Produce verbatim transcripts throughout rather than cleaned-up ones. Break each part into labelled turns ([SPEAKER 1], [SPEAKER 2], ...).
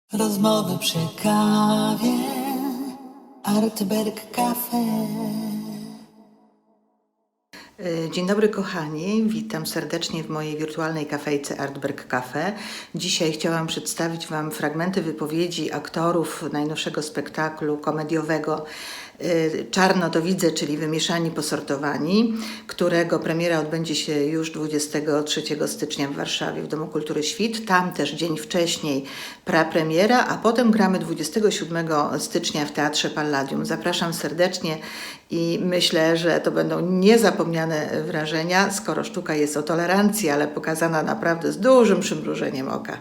[SPEAKER 1] Rozmowy przy kawie, Artberg Cafe.
[SPEAKER 2] Dzień dobry kochani, witam serdecznie w mojej wirtualnej kafejce Artberg Cafe. Dzisiaj chciałam przedstawić Wam fragmenty wypowiedzi aktorów najnowszego spektaklu komediowego Czarno to widzę, czyli Wymieszani posortowani, którego premiera odbędzie się już dwudziestego trzeciego stycznia w Warszawie w Domu Kultury Świt. Tam też dzień wcześniej prapremiera, a potem gramy dwudziestego siódmego stycznia w Teatrze Palladium. Zapraszam serdecznie i myślę, że to będą niezapomniane wrażenia, skoro sztuka jest o tolerancji, ale pokazana naprawdę z dużym przymrużeniem oka.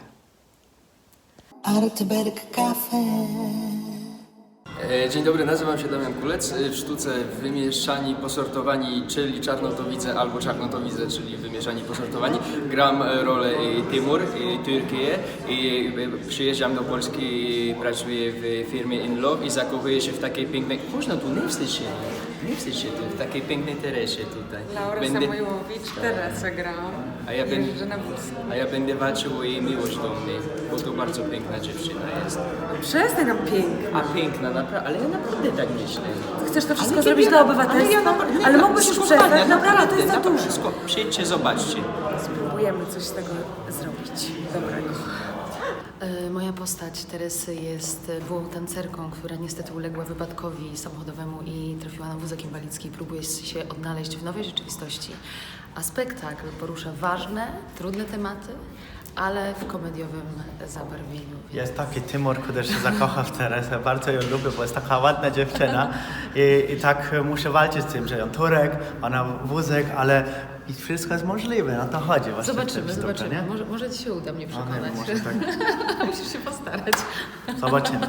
[SPEAKER 1] Artberg Cafe.
[SPEAKER 3] Dzień dobry, nazywam się Damian Kulec. W sztuce Wymieszani posortowani, czyli Czarno to widzę, albo Czarno to widzę, czyli Wymieszani posortowani. Gram rolę Timur, Turcję i przyjeżdżam do Polski i pracuję w firmie In Love i zakochuję się w takiej pięknej... Można tu, nie wstydź się, nie wstydź się tu, w takiej pięknej Teresie tutaj.
[SPEAKER 4] Laura
[SPEAKER 3] Będę...
[SPEAKER 4] Samojłowicz, Teresę grałam.
[SPEAKER 3] A ja, będę,
[SPEAKER 4] Jeżdżę na wózku.
[SPEAKER 3] a ja będę walczył o jej miłość do mnie, bo to bardzo piękna dziewczyna jest.
[SPEAKER 4] Przestań nam pięknie.
[SPEAKER 3] A piękna, naprawdę, ale ja naprawdę tak myślę.
[SPEAKER 4] Chcesz to wszystko
[SPEAKER 3] Ale
[SPEAKER 4] zrobić
[SPEAKER 3] ja-
[SPEAKER 4] dla
[SPEAKER 3] ale
[SPEAKER 4] obywatelstwa?
[SPEAKER 3] ja
[SPEAKER 4] Ale,
[SPEAKER 3] naprawdę- nie,
[SPEAKER 4] mógłbyś już
[SPEAKER 3] skopania,
[SPEAKER 4] przestać, naprawdę to jest za
[SPEAKER 3] naprawdę,
[SPEAKER 4] dużo.
[SPEAKER 3] sko- Przyjdźcie, zobaczcie.
[SPEAKER 4] Spróbujemy coś z tego zrobić dobrego.
[SPEAKER 5] E, Moja postać Teresy jest byłą tancerką, która niestety uległa wypadkowi samochodowemu i trafiła na wózek inwalidzki i próbuje się odnaleźć w nowej rzeczywistości. A spektakl porusza ważne, trudne tematy, ale w komediowym zabarwieniu.
[SPEAKER 6] Jest taki Timur, który się zakocha w Teresę. Bardzo ją lubię, bo jest taka ładna dziewczyna. I, i tak muszę walczyć z tym, że ją Turek, ona wózek, ale i wszystko jest możliwe, no to chodzi właśnie. w
[SPEAKER 5] Zobaczymy,
[SPEAKER 6] tym sztuce,
[SPEAKER 5] zobaczymy.
[SPEAKER 6] nie?
[SPEAKER 5] Może, może Ci się uda mnie
[SPEAKER 6] O nie,
[SPEAKER 5] przekonać.
[SPEAKER 6] może tak.
[SPEAKER 5] Musisz się postarać.
[SPEAKER 6] Zobaczymy.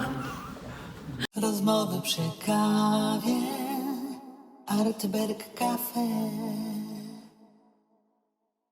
[SPEAKER 1] Rozmowy przy kawie, Artberg Cafe.